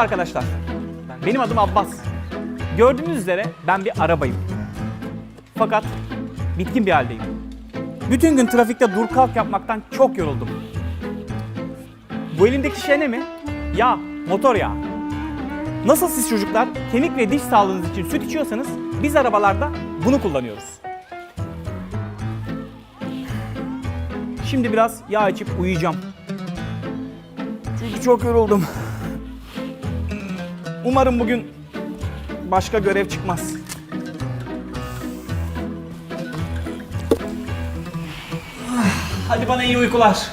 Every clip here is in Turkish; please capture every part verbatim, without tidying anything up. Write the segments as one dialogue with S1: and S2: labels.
S1: arkadaşlar. Benim adım Abbas. Gördüğünüz üzere ben bir arabayım. Fakat bitkin bir haldeyim. Bütün gün trafikte dur kalk yapmaktan çok yoruldum. Bu elimdeki şey ne mi? Yağ, motor yağı. Nasıl siz çocuklar kemik ve diş sağlığınız için süt içiyorsanız biz arabalarda bunu kullanıyoruz. Şimdi biraz yağ içip uyuyacağım. Çünkü çok yoruldum. Umarım bugün başka görev çıkmaz. Hadi bana iyi uykular.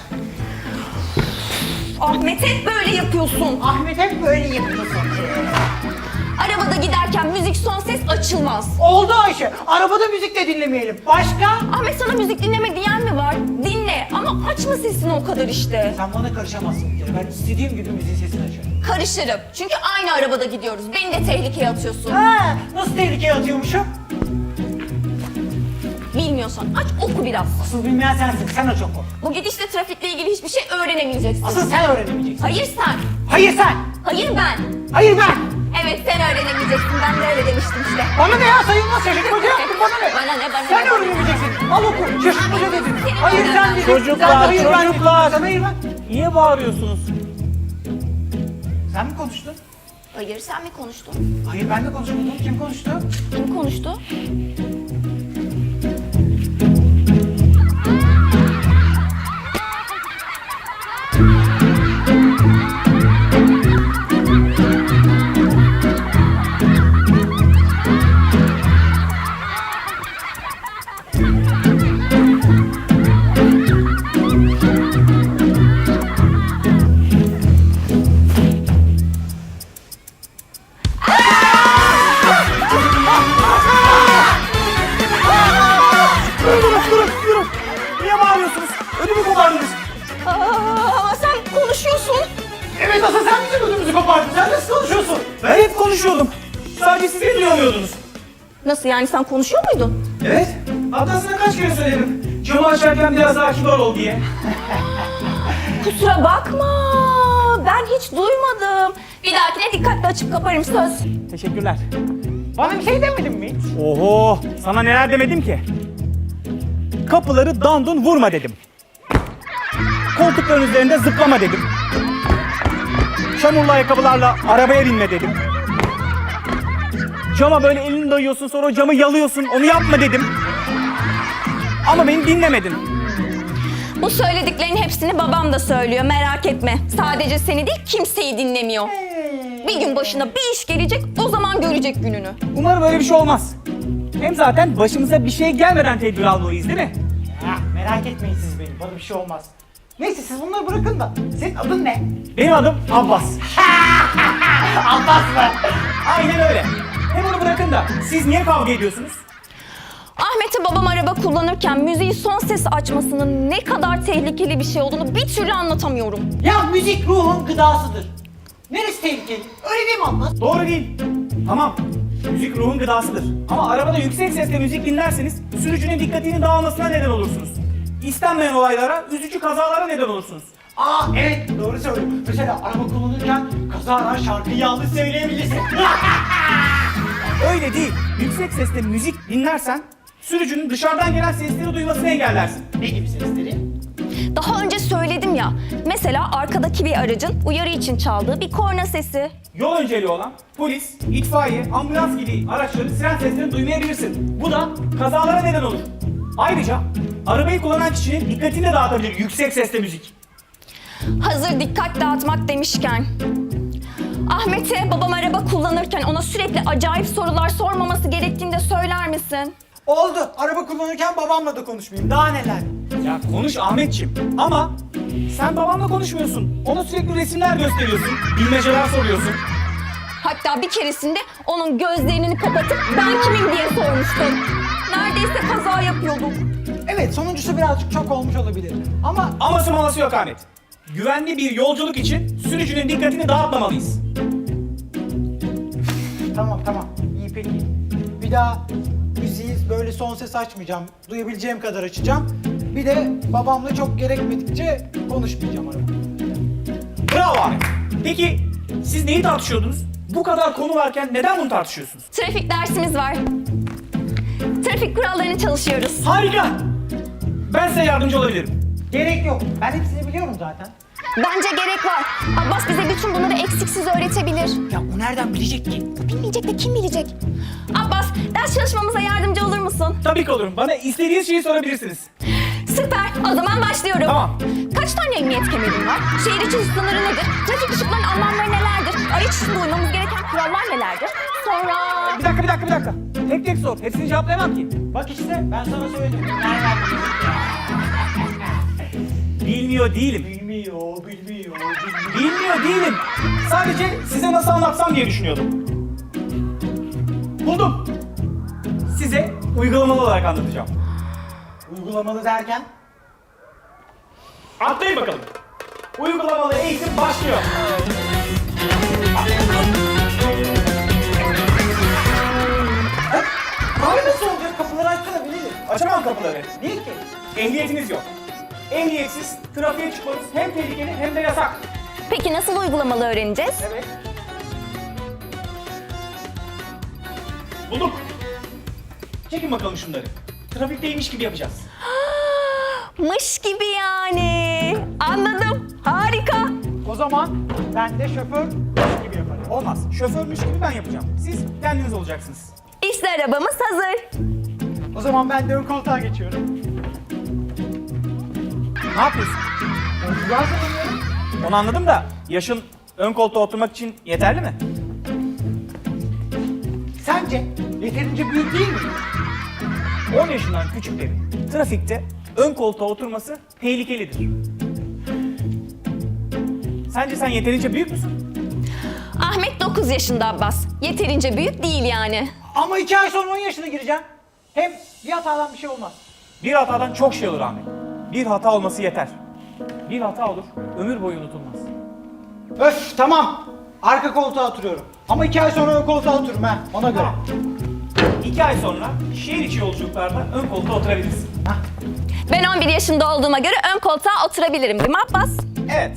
S2: Ahmet hep böyle yapıyorsun.
S3: Ahmet hep böyle yapıyorsun.
S2: Arabada giderken müzik son ses açılmaz.
S3: Oldu Ayşe. Arabada müzik de dinlemeyelim. Başka?
S2: Ahmet sana müzik dinleme diyen mi var? Dinle ama açma sesini o kadar işte.
S3: Sen bana karışamazsın bir kere. Ben istediğim gibi müziğin sesini açarım.
S2: Karışırım. Çünkü aynı arabada gidiyoruz. Beni de tehlikeye atıyorsun.
S3: Ha, nasıl tehlikeye atıyormuşum?
S2: Bilmiyorsan aç oku biraz.
S3: Asıl bilmeyen sensin. Sen aç oku.
S2: Bu gidişle trafikle ilgili hiçbir şey öğrenemeyeceksin.
S3: Asıl sen öğrenemeyeceksin.
S2: Hayır sen.
S3: Hayır sen.
S2: Hayır ben.
S3: Hayır ben.
S2: Evet sen öğrenemeyeceksin. Ben de öyle demiştim işte.
S3: Bana ne ya, sayılmaz. Şaşırtmaca yaptın, bana ne?
S2: Bana ne, bana
S3: Sen
S2: ne?
S3: öğrenemeyeceksin. Al oku. Şaşırtmaca dedin.
S2: Senin
S3: Hayır
S2: bana
S3: sen
S2: ne?
S3: dedin.
S1: Çocuklar,
S3: Sen de hayır ben dedin.
S1: çocuklar.
S3: Sen hayır ben.
S1: Niye bağırıyorsunuz?
S3: Sen mi konuştun?
S2: Hayır sen mi konuştun?
S3: Hayır ben de konuşmadım. Kim konuştu?
S2: Kim konuştu?
S1: Durun, durun, durun. Niye bağırıyorsunuz? Ödümü kopardınız.
S2: Aa, ama sen konuşuyorsun.
S3: Evet, asıl sen bizim ödümüzü kopardın. Sen nasıl konuşuyorsun?
S1: Ben hep konuşuyordum. Sadece siz beni duyamıyordunuz.
S2: Nasıl yani sen konuşuyor muydun?
S1: Evet. Hatta sana kaç kere söyledim. Camı açarken biraz daha kibar ol diye.
S2: Kusura bakma. Ben hiç duymadım. Bir dahakine dikkatli açıp kaparım söz.
S1: Teşekkürler.
S3: Bana bir şey demedin mi hiç?
S1: Oho, sana neler demedim ki? Kapıları dandun vurma dedim. Koltukların üzerinde zıplama dedim. Çamurlu ayakkabılarla arabaya binme dedim. Cama böyle elini dayıyorsun, sonra o camı yalıyorsun, onu yapma dedim. Ama beni dinlemedin.
S2: Bu söylediklerin hepsini babam da söylüyor merak etme. Sadece seni değil kimseyi dinlemiyor. Bir gün başına bir iş gelecek o zaman görecek gününü.
S1: Umarım öyle bir şey olmaz. Hem zaten başımıza bir şey gelmeden tedbir almalıyız değil mi?
S3: Ya merak etmeyin siz beni. Bana bir şey olmaz. Neyse siz bunları bırakın da. Senin adın ne?
S1: Benim adım Abbas.
S3: Abbas mı?
S1: Aynen öyle. Hem onu bırakın da siz niye kavga ediyorsunuz?
S2: Ahmet'e babam araba kullanırken müziği son ses açmasının ne kadar tehlikeli bir şey olduğunu bir türlü anlatamıyorum.
S3: Ya müzik ruhun gıdasıdır. Neresi tehlikeli? Öyle değil mi Abbas?
S1: Doğru değil. Tamam. Müzik ruhun gıdasıdır. Ama arabada yüksek sesle müzik dinlerseniz sürücünün dikkatini dağılmasına neden olursunuz. İstenmeyen olaylara, üzücü kazalara neden olursunuz.
S3: Aa evet doğru söylüyorsun. Mesela araba kullanırken kazara şarkıyı yanlış söyleyebilirsin.
S1: Öyle değil. Yüksek sesle müzik dinlersen sürücünün dışarıdan gelen sesleri duymasını engellersin.
S3: Ne gibi sesleri?
S2: Daha önce söyledim ya. Mesela arkadaki bir aracın uyarı için çaldığı bir korna sesi.
S1: Yol önceliği olan polis, itfaiye, ambulans gibi araçların siren seslerini duymayabilirsin. Bu da kazalara neden olur. Ayrıca arabayı kullanan kişinin dikkatini de dağıtabilir yüksek sesle müzik.
S2: Hazır dikkat dağıtmak demişken. Ahmet'e babam araba kullanırken ona sürekli acayip sorular sormaması gerektiğini de söyler misin?
S3: Oldu. Araba kullanırken babamla da konuşmayayım. Daha neler?
S1: Ya konuş Ahmetciğim ama sen babanla konuşmuyorsun. Ona sürekli resimler gösteriyorsun, bilmeceler soruyorsun.
S2: Hatta bir keresinde onun gözlerini kapatıp ben kimim diye sormuştum. Neredeyse kaza yapıyorduk.
S3: Evet sonuncusu birazcık çok olmuş olabilir. Ama
S1: Aması maması yok Ahmet. Güvenli bir yolculuk için sürücünün dikkatini dağıtmamalıyız.
S3: tamam tamam. İyi peki. Bir daha müziği böyle son ses açmayacağım. Duyabileceğim kadar açacağım. Bir de babamla çok gerekmedikçe konuşmayacağım arabada.
S1: Bravo Ahmet. Peki Siz neyi tartışıyordunuz? Bu kadar konu varken neden bunu tartışıyorsunuz?
S2: Trafik dersimiz var. Trafik kurallarını çalışıyoruz.
S1: Harika! Ben size yardımcı olabilirim.
S3: Gerek yok. Ben hepsini biliyorum zaten.
S2: Bence gerek var. Abbas bize bütün bunları eksiksiz öğretebilir.
S3: Ya o nereden bilecek ki?
S2: Bilmeyecek de kim bilecek? Abbas, ders çalışmamıza yardımcı olur musun?
S1: Tabii ki olurum. Bana istediğiniz şeyi sorabilirsiniz.
S2: Süper, o zaman başlıyorum.
S1: Tamam.
S2: Kaç tane emniyet kemerin var? Şehir içi hız sınırı nedir? Trafik ışıklarının anlamları nelerdir? Araç içinde uymamız gereken kurallar nelerdir? Sonra...
S1: Bir dakika, bir dakika, bir dakika. Tek tek sor. Hepsini cevaplayamam ki.
S3: Bak işte ben sana söyledim. Nereden
S1: Bilmiyor değilim.
S3: bilmiyor, bilmiyor, bilmiyor.
S1: Bilmiyor değilim. Sadece size nasıl anlatsam diye düşünüyordum. Buldum. Size uygulamalı olarak anlatacağım.
S3: Uygulamalı derken?
S1: Atlayın bakalım. Uygulamalı eğitim başlıyor.
S3: Abi nasıl olacak? Kapıları açsana bilelim.
S1: Açamam kapıları.
S3: Niye ki?
S1: Ehliyetiniz yok. Ehliyetsiz trafiğe çıkmanız hem tehlikeli hem de yasak.
S2: Peki nasıl uygulamalı öğreneceğiz?
S1: Evet. Buldum. Çekin bakalım şunları. Trafikteymiş gibi yapacağız.
S2: Mış gibi yani. Anladım. Harika.
S3: O zaman ben de şoför gibi yaparım.
S1: Olmaz. Şoförmüş gibi ben yapacağım. Siz kendiniz olacaksınız.
S2: İşte arabamız hazır.
S3: O zaman ben de ön koltuğa geçiyorum.
S1: Ne yapıyorsun?
S3: Yolculuğa hazırlanıyorum.
S1: Onu anladım da yaşın ön koltuğa oturmak için yeterli mi?
S3: Sence yeterince büyük değil mi?
S1: on yaşından küçüklerin trafikte ön koltuğa oturması tehlikelidir. Sence sen yeterince büyük müsün?
S2: Ahmet dokuz yaşında Abbas. Yeterince büyük değil yani.
S3: Ama iki ay sonra on yaşına gireceğim. Hem bir hatadan bir şey olmaz.
S1: Bir hatadan çok şey olur Ahmet. Bir hata olması yeter. Bir hata olur, ömür boyu unutulmaz.
S3: Öf tamam. Arka koltuğa oturuyorum. Ama iki ay sonra ön koltuğa otururum ha. Ona göre.
S1: Tamam. İki ay sonra şehir içi yolculuklarda ön koltuğa oturabilirsin.
S3: Hah.
S2: Ben on bir yaşında olduğuma göre ön koltuğa oturabilirim değil mi Abbas?
S1: Evet.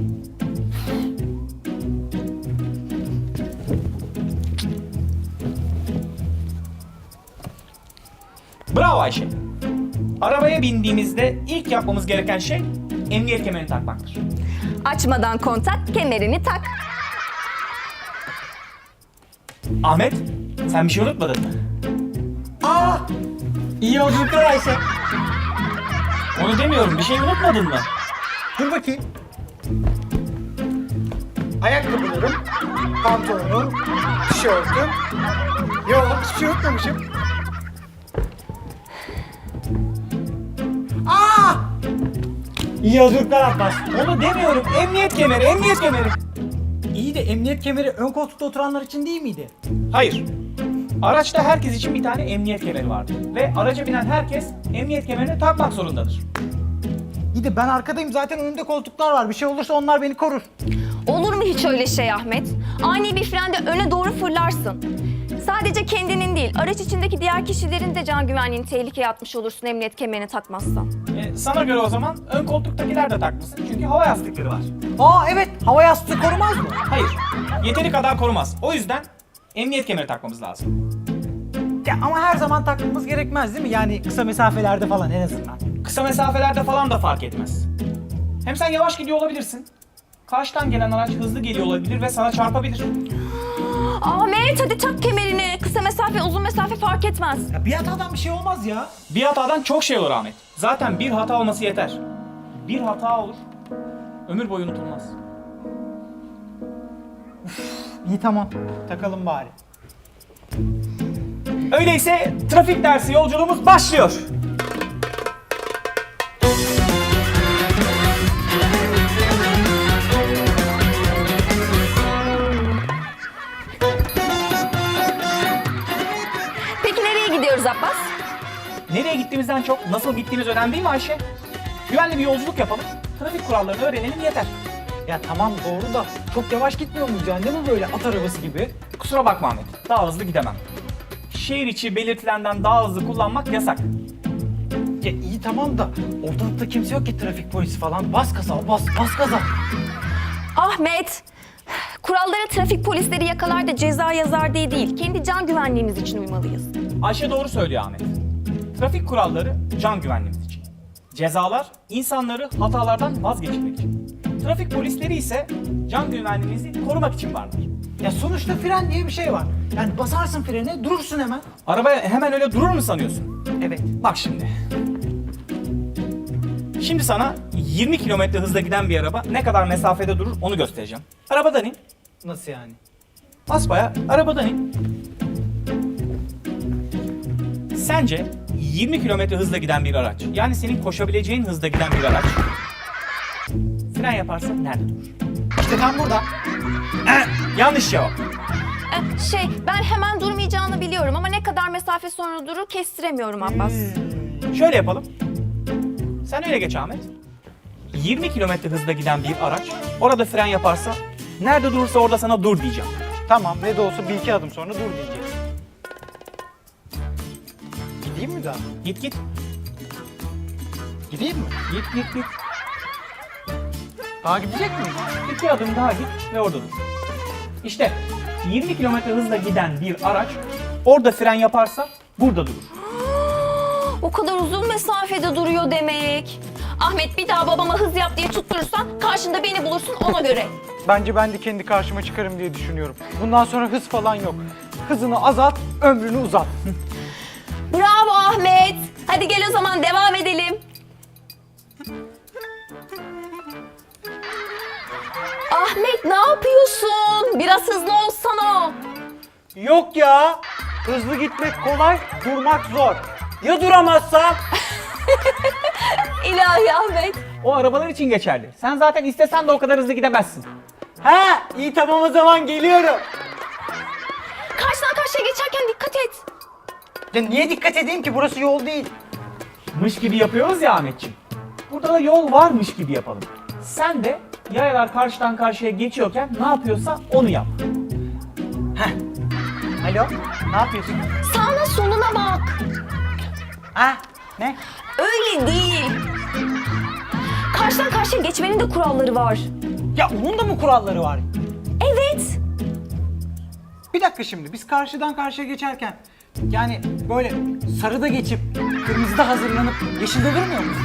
S1: Bravo Ayşe. Arabaya bindiğimizde ilk yapmamız gereken şey emniyet kemerini takmaktır.
S2: Açmadan kontak, kemerini tak.
S1: Ahmet, sen bir şey unutmadın mı?
S3: Aa! İyi yolculuklar Ayşe.
S1: Onu demiyorum, bir şey unutmadın mı?
S3: Dur bakayım. Ayakkabılarım, pantolonum, tişörtüm. Yok, hiçbir şey unutmamışım. Aa! İyi yolculuklar Abbas.
S1: Onu demiyorum, emniyet kemeri, emniyet kemeri.
S3: İyi de emniyet kemeri ön koltukta oturanlar için değil miydi?
S1: Hayır. Araçta herkes için bir tane emniyet kemeri vardır. Ve araca binen herkes emniyet kemerini takmak zorundadır.
S3: İyi de ben arkadayım zaten önümde koltuklar var. Bir şey olursa onlar beni korur.
S2: Olur mu hiç öyle şey Ahmet? Ani bir frende öne doğru fırlarsın. Sadece kendinin değil, araç içindeki diğer kişilerin de can güvenliğini tehlikeye atmış olursun emniyet kemerini takmazsan.
S1: E, sana göre o zaman ön koltuktakiler de takmasın çünkü hava yastıkları var.
S3: Aa evet, hava yastığı korumaz mı?
S1: Hayır, yeteri kadar korumaz. O yüzden emniyet kemeri takmamız lazım.
S3: Ya ama her zaman takmamız gerekmez değil mi? Yani kısa mesafelerde falan en azından.
S1: Kısa mesafelerde falan da fark etmez. Hem sen yavaş gidiyor olabilirsin. Karşıdan gelen araç hızlı geliyor olabilir ve sana çarpabilir.
S2: Ahmet hadi tak kemerini. Kısa mesafe, uzun mesafe fark etmez.
S3: Ya bir hatadan bir şey olmaz ya.
S1: Bir hatadan çok şey olur Ahmet. Zaten bir hata olması yeter. Bir hata olur, ömür boyu unutulmaz.
S3: İyi tamam, takalım bari.
S1: Öyleyse trafik dersi yolculuğumuz başlıyor.
S2: Peki nereye gidiyoruz Abbas?
S1: Nereye gittiğimizden çok nasıl gittiğimiz önemli değil mi Ayşe? Güvenli bir yolculuk yapalım, trafik kurallarını öğrenelim yeter.
S3: Ya tamam doğru da çok yavaş gitmiyor muyuz yani değil mi böyle at arabası gibi?
S1: Kusura bakma Ahmet, daha hızlı gidemem. Şehir içi belirtilenden daha hızlı kullanmak yasak.
S3: Ya iyi tamam da ortalıkta kimse yok ki trafik polisi falan. Bas gaza bas, bas gaza.
S2: Ahmet, Kurallara trafik polisleri yakalar da ceza yazar diye değil, kendi can güvenliğimiz için uymalıyız.
S1: Ayşe doğru söylüyor Ahmet. Trafik kuralları can güvenliğimiz için. Cezalar insanları hatalardan vazgeçirmek için. Trafik polisleri ise can güvenliğimizi korumak için vardır.
S3: Ya sonuçta fren diye bir şey var. Yani basarsın frene, durursun hemen.
S1: Araba hemen öyle durur mu sanıyorsun?
S3: Evet.
S1: Bak şimdi. Şimdi sana yirmi kilometre hızla giden bir araba ne kadar mesafede durur onu göstereceğim. Arabadan in.
S3: Nasıl yani?
S1: Basbaya arabadan in. Sence yirmi kilometre hızla giden bir araç, yani senin koşabileceğin hızda giden bir araç fren yaparsa nerede durur?
S3: İşte tam burada.
S1: Yanlış cevap.
S2: Ee, şey, ben hemen durmayacağını biliyorum ama ne kadar mesafe sonra durur kestiremiyorum Abbas.
S1: Şöyle yapalım. Sen öyle geç Ahmet. yirmi kilometre hızla giden bir araç orada fren yaparsa nerede durursa orada sana dur diyeceğim.
S3: Tamam, ne de olsa bir iki adım sonra dur diyecek. Gideyim mi daha?
S1: Git git.
S3: Gideyim mi?
S1: Git git git.
S3: Daha gidecek miyim?
S1: İki adım daha git ve orada dur. İşte yirmi kilometre hızla giden bir araç orada fren yaparsa burada durur.
S2: O kadar uzun mesafede duruyor demek. Ahmet, bir daha babama hız yap diye tutturursan karşında beni bulursun ona göre.
S3: Bence ben de kendi karşıma çıkarım diye düşünüyorum. Bundan sonra hız falan yok. Hızını azalt, ömrünü uzat.
S2: Bravo Ahmet. Hadi gel o zaman devam edelim. Ahmet, ne yapıyorsun? Biraz hızlı olsana.
S3: Yok ya. Hızlı gitmek kolay, durmak zor. Ya duramazsam?
S2: İlahi Ahmet.
S1: O arabalar için geçerli. Sen zaten istesen de o kadar hızlı gidemezsin.
S3: He, iyi tamam o zaman geliyorum.
S2: Karşıdan karşıya geçerken dikkat et.
S3: Ya niye dikkat edeyim ki? Burası yol değil.
S1: Mış gibi yapıyoruz ya Ahmetciğim. Burada da yol varmış gibi yapalım. Sen de yayalar karşıdan karşıya geçiyorken ne yapıyorsa onu yap.
S3: Alo, ne yapıyorsun?
S2: Sağına soluna bak.
S3: Ha, ne?
S2: Öyle değil. Karşıdan karşıya geçmenin de kuralları var.
S3: Ya onun da mı kuralları var?
S2: Evet.
S3: Bir dakika şimdi, biz karşıdan karşıya geçerken yani böyle sarıda geçip kırmızıda hazırlanıp yeşilde durmuyor muyuz?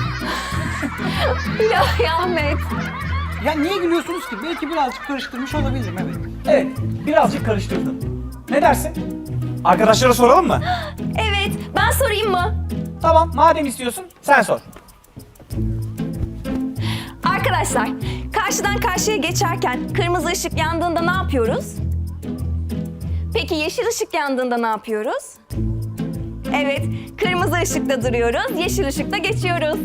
S2: İlahi Ahmet.
S3: Ya niye gülüyorsunuz ki? Belki birazcık karıştırmış olabilirim, evet.
S1: Evet, birazcık karıştırdın. Ne dersin? Arkadaşlara soralım mı?
S2: Evet, ben sorayım mı?
S1: Tamam, madem istiyorsun sen sor.
S2: Arkadaşlar, karşıdan karşıya geçerken kırmızı ışık yandığında ne yapıyoruz? Peki yeşil ışık yandığında ne yapıyoruz? Evet, kırmızı ışıkta duruyoruz, yeşil ışıkta geçiyoruz.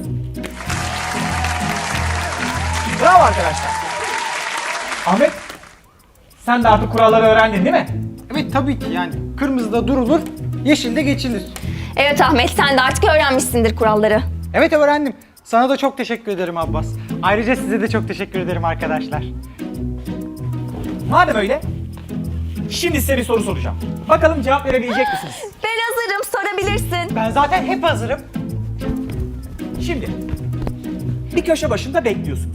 S1: Bravo arkadaşlar. Ahmet, sen de artık kuralları öğrendin değil mi?
S3: Evet tabii ki, yani kırmızıda durulur, yeşilde geçilir.
S2: Evet Ahmet, sen de artık öğrenmişsindir kuralları.
S3: Evet öğrendim. Sana da çok teşekkür ederim Abbas. Ayrıca size de çok teşekkür ederim arkadaşlar.
S1: Madem öyle, şimdi size bir soru soracağım. Bakalım cevap verebilecek misiniz?
S2: Ben hazırım, sorabilirsin.
S3: Ben zaten hep hazırım.
S1: Şimdi, bir köşe başında bekliyorsunuz.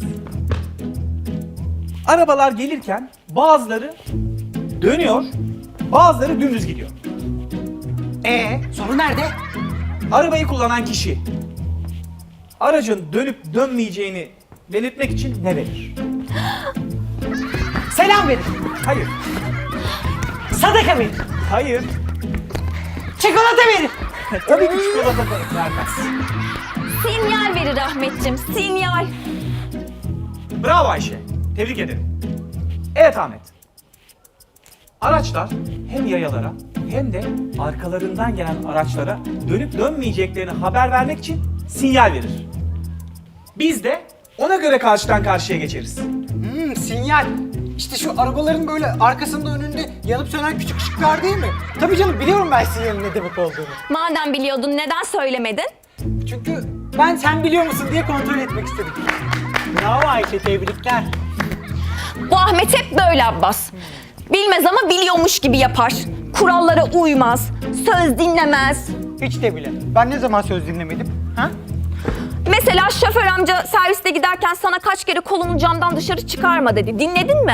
S1: Arabalar gelirken bazıları dönüyor, bazıları dümdüz gidiyor.
S3: Ee, soru nerede?
S1: Arabayı kullanan kişi aracın dönüp dönmeyeceğini belirtmek için ne verir?
S3: Selam verin.
S1: Hayır,
S3: Sadaka verin.
S1: hayır.
S3: Çikolata verin.
S1: Tabii ki çikolata vermez.
S2: Sinyal verir Ahmetciğim, sinyal.
S1: Bravo Ayşe, tebrik ederim. Evet Ahmet. Araçlar hem yayalara hem de arkalarından gelen araçlara dönüp dönmeyeceklerini haber vermek için sinyal verir. Biz de ona göre karşıdan karşıya geçeriz.
S3: Hmm, sinyal. İşte şu arabaların böyle arkasında önünde yanıp sönen küçük ışıklar değil mi? Tabii canım, biliyorum ben sinyalin ne demek olduğunu.
S2: Madem biliyordun, neden söylemedin?
S3: Çünkü ben sen biliyor musun diye kontrol etmek istedim. Bravo Ayşe, tebrikler.
S2: Bu Ahmet hep böyle Abbas. Bilmez ama biliyormuş gibi yapar. Kurallara uymaz, söz dinlemez.
S3: Hiç de bile. Ben ne zaman söz dinlemedim? Ha?
S2: Mesela şoför amca serviste giderken sana kaç kere kolunu camdan dışarı çıkarma dedi. Dinledin mi?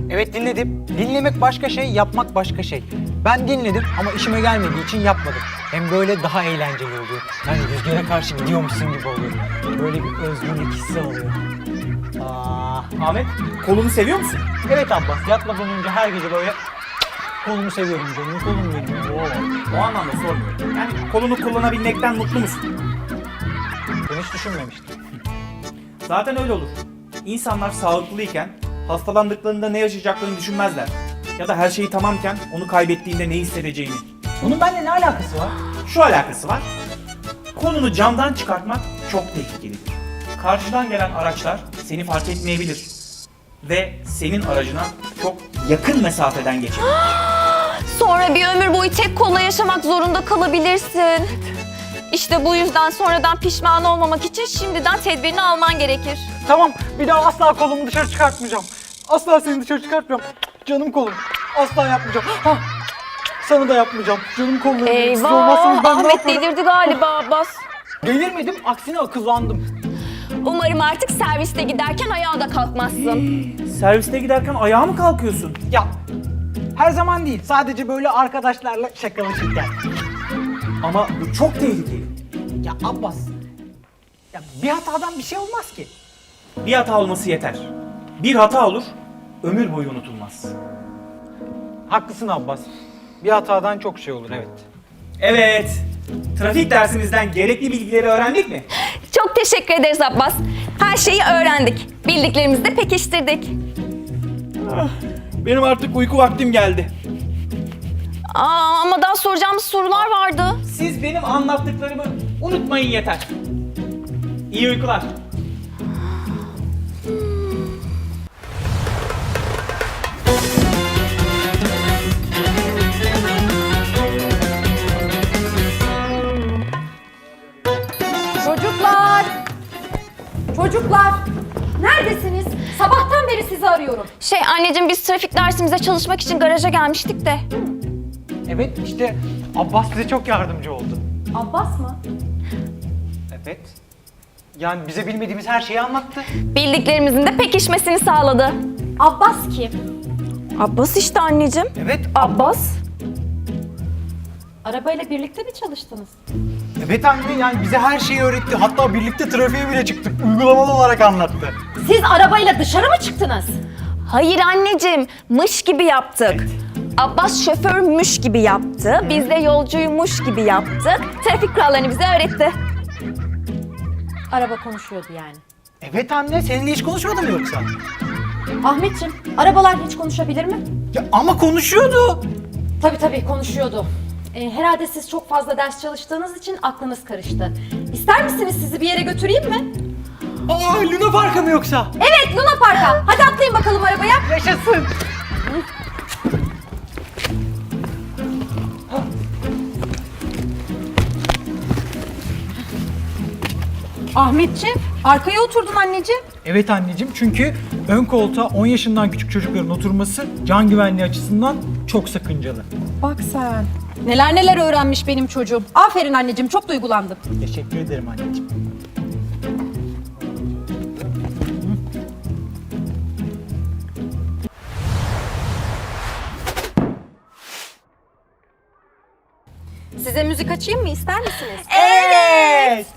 S3: Evet dinledim. Dinlemek başka şey, yapmak başka şey. Ben dinledim ama işime gelmediği için yapmadım. Hem böyle daha eğlenceli oluyor. Yani rüzgara karşı gidiyormuşsun gibi oluyor. Böyle bir özgürlük hissi oluyor. Aa,
S1: Ahmet, kolunu seviyor musun?
S3: evet Abbas, yatmadan önce her gece böyle kolumu seviyorum canım, kolum benim. Oo.
S1: O anlamda sormuyorum. Yani kolunu kullanabilmekten mutlu musun?
S3: Ben hiç düşünmemiştim.
S1: Zaten öyle olur. İnsanlar sağlıklıyken hastalandıklarında ne yaşayacaklarını düşünmezler. Ya da her şeyi tamamken onu kaybettiğinde ne hissedeceğini.
S3: Bunun benimle ne alakası var?
S1: Şu alakası var. Kolunu camdan çıkartmak çok tehlikelidir. Karşıdan gelen araçlar seni fark etmeyebilir. Ve senin aracına çok yakın mesafeden geçebilir.
S2: Sonra bir ömür boyu tek kolla yaşamak zorunda kalabilirsin. İşte bu yüzden sonradan pişman olmamak için şimdiden tedbirini alman gerekir.
S3: Tamam, bir daha asla kolumu dışarı çıkartmayacağım. Asla seni dışarı çıkartmayacağım. Canım kolum. Asla yapmayacağım. Hah. Sana da yapmayacağım. Canım kolum. Siz olmazsanız
S2: Eyvah!
S3: ben ne
S2: Ahmet
S3: yaparım?
S2: delirdi galiba Abbas.
S3: Delirmedim, aksine akıllandım.
S2: Umarım artık serviste giderken ayağa da kalkmazsın.
S1: Serviste giderken ayağa mı kalkıyorsun?
S3: Ya, her zaman değil. Sadece böyle arkadaşlarla şakalaşırken.
S1: Ama bu çok tehlikeli.
S3: Ya Abbas, ya bir hatadan bir şey olmaz ki.
S1: Bir hata olması yeter. Bir hata olur, ömür boyu unutulmaz.
S3: Haklısın Abbas. Bir hatadan çok şey olur, evet.
S1: Evet, trafik dersimizden gerekli bilgileri öğrendik mi?
S2: Çok teşekkür ederiz Abbas. Her şeyi öğrendik. Bildiklerimizi de pekiştirdik.
S1: Benim artık uyku vaktim geldi.
S2: Aa, ama daha soracağımız sorular vardı.
S1: Siz benim anlattıklarımı unutmayın yeter. İyi uykular.
S4: Çocuklar! Çocuklar! Neredesiniz? Sabahtan beri sizi arıyorum.
S2: Şey anneciğim biz trafik dersimize çalışmak için garaja gelmiştik de.
S3: Evet, işte Abbas bize çok yardımcı oldu.
S4: Abbas mı?
S3: Evet. Yani bize bilmediğimiz her şeyi anlattı.
S2: Bildiklerimizin de pekişmesini sağladı.
S4: Abbas kim?
S2: Abbas işte anneciğim.
S3: Evet,
S2: Abbas.
S4: Arabayla birlikte mi çalıştınız?
S3: evet anne, yani bize her şeyi öğretti. Hatta birlikte trafiğe bile çıktık. Uygulamalı olarak anlattı.
S4: Siz arabayla dışarı mı çıktınız?
S2: Hayır anneciğim, mış gibi yaptık. Abbas şoförmüş gibi yaptı, biz de yolcuymuş gibi yaptık. Trafik kurallarını bize öğretti.
S4: Araba konuşuyordu yani.
S3: Evet anne, seninle hiç konuşmadı mı yoksa?
S4: Ahmetciğim, arabalar hiç konuşabilir mi?
S3: Ya ama konuşuyordu.
S4: Tabii tabii konuşuyordu. Ee, herhalde siz çok fazla ders çalıştığınız için aklınız karıştı. İster misiniz sizi bir yere götüreyim mi?
S3: Aa, Luna Park'a mı yoksa?
S4: Evet, Luna Park'a. Hadi atlayın bakalım arabaya.
S3: Yaşasın.
S4: Ahmetciğim, arkaya oturdun anneciğim.
S3: Evet anneciğim, çünkü ön koltuğa on yaşından küçük çocukların oturması can güvenliği açısından çok sakıncalı.
S4: Bak sen. Neler neler öğrenmiş benim çocuğum. Aferin anneciğim, çok duygulandım.
S3: Teşekkür ederim anneciğim.
S4: Size müzik açayım mı, ister misiniz?
S2: Evet.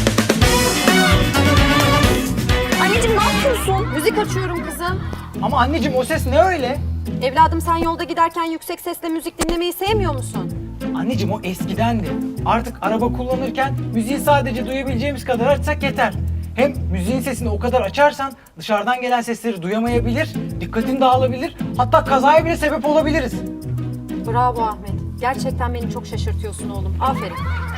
S2: Anneciğim ne yapıyorsun?
S4: Müzik açıyorum kızım.
S3: Ama anneciğim, o ses ne öyle?
S4: Evladım sen yolda giderken yüksek sesle müzik dinlemeyi sevmiyor musun?
S3: Anneciğim, o eskidendi. Artık araba kullanırken müziği sadece duyabileceğimiz kadar açsak yeter. Hem müziğin sesini o kadar açarsan dışarıdan gelen sesleri duyamayabilir, dikkatin dağılabilir, hatta kazaya bile sebep olabiliriz.
S4: Bravo Ahmet. Gerçekten beni çok şaşırtıyorsun oğlum. Aferin.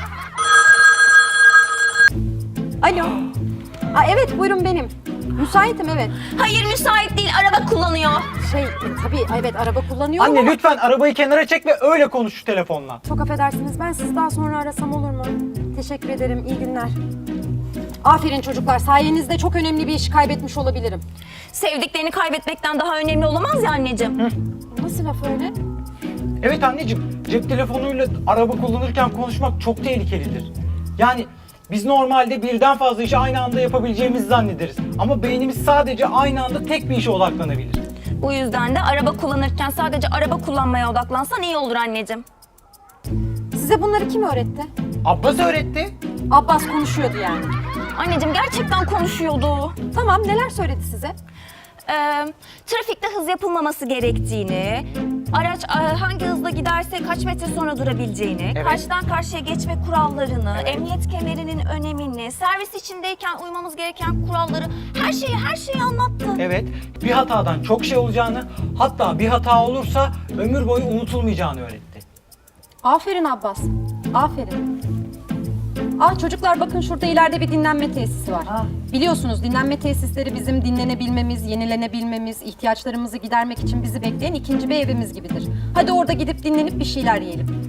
S4: Alo. Aa, evet buyurun benim. Müsaitim evet.
S2: Hayır müsait değil, araba kullanıyor.
S4: Şey e, tabii evet araba kullanıyorum
S3: Anne
S4: ama...
S3: lütfen arabayı kenara çek ve öyle konuş şu telefonla.
S4: Çok affedersiniz ben sizi daha sonra arasam olur mu? Teşekkür ederim. İyi günler. Aferin çocuklar. Sayenizde çok önemli bir işi kaybetmiş olabilirim.
S2: Sevdiklerini kaybetmekten daha önemli olamaz ya anneciğim.
S4: Nasıl laf öyle?
S3: Evet anneciğim, cep telefonuyla araba kullanırken konuşmak çok tehlikelidir. Yani biz normalde birden fazla işi aynı anda yapabileceğimizi zannederiz. Ama beynimiz sadece aynı anda tek bir işe odaklanabilir.
S2: Bu yüzden de araba kullanırken sadece araba kullanmaya odaklansan iyi olur anneciğim.
S4: Size bunları kim öğretti?
S3: Abbas öğretti.
S4: Abbas konuşuyordu yani.
S2: Anneciğim gerçekten konuşuyordu.
S4: Tamam, neler söyledi size?
S2: Ee, trafikte hız yapılmaması gerektiğini, araç e, hangi hızla giderse kaç metre sonra durabileceğini,
S3: Evet.
S2: karşıdan karşıya geçme kurallarını, emniyet kemerinin önemini, servis içindeyken uymamız gereken kuralları, her şeyi her şeyi anlattı.
S3: Evet, bir hatadan çok şey olacağını, hatta bir hata olursa ömür boyu unutulmayacağını öğretti.
S4: Aferin Abbas, aferin. Ah çocuklar, bakın şurada ileride bir dinlenme tesisi var.
S3: Ha.
S4: Biliyorsunuz dinlenme tesisleri bizim dinlenebilmemiz, yenilenebilmemiz, ihtiyaçlarımızı gidermek için bizi bekleyen ikinci bir evimiz gibidir. Hadi orada gidip dinlenip bir şeyler yiyelim.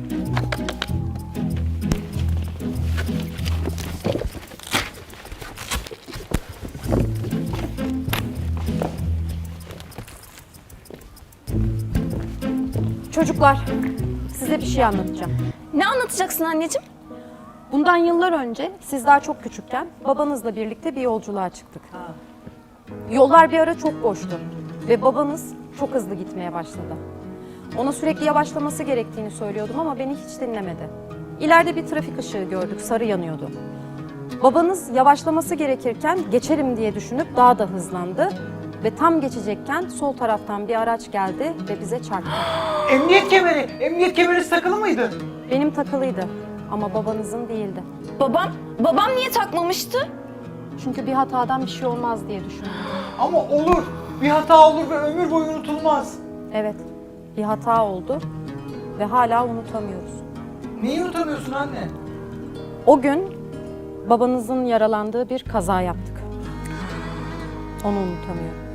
S4: Çocuklar, size bir şey anlatacağım.
S2: Ne anlatacaksın anneciğim?
S4: Bundan yıllar önce siz daha çok küçükken babanızla birlikte bir yolculuğa çıktık. Yollar bir ara çok boştu ve babanız çok hızlı gitmeye başladı. Ona sürekli yavaşlaması gerektiğini söylüyordum ama beni hiç dinlemedi. İleride bir trafik ışığı gördük, sarı yanıyordu. Babanız yavaşlaması gerekirken geçerim diye düşünüp daha da hızlandı ve tam geçecekken sol taraftan bir araç geldi ve bize çarptı.
S3: Emniyet kemeri, emniyet kemeri takılı mıydı?
S4: Benim takılıydı ama babanızın değildi.
S2: Babam, babam niye takmamıştı?
S4: Çünkü bir hatadan bir şey olmaz diye düşündüm.
S3: Ama olur, bir hata olur ve ömür boyu unutulmaz.
S4: Evet, bir hata oldu ve hala unutamıyoruz.
S3: Neyi unutamıyorsun anne?
S4: O gün babanızın yaralandığı bir kaza yaptık. Onu unutamıyorum.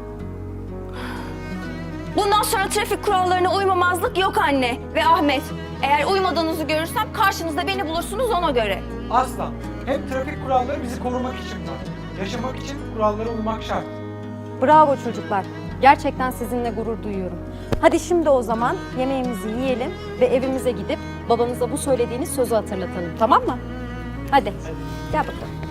S2: Bundan sonra trafik kurallarına uymamazlık yok anne ve Ahmet. Eğer uymadığınızı görürsem karşınızda beni bulursunuz ona göre.
S3: Asla. Hem trafik kuralları bizi korumak için var. Yaşamak için kurallara uymak şart.
S4: Bravo çocuklar. Gerçekten sizinle gurur duyuyorum. Hadi şimdi o zaman yemeğimizi yiyelim ve evimize gidip babanıza bu söylediğiniz sözü hatırlatalım, tamam mı? Hadi, gel bakalım.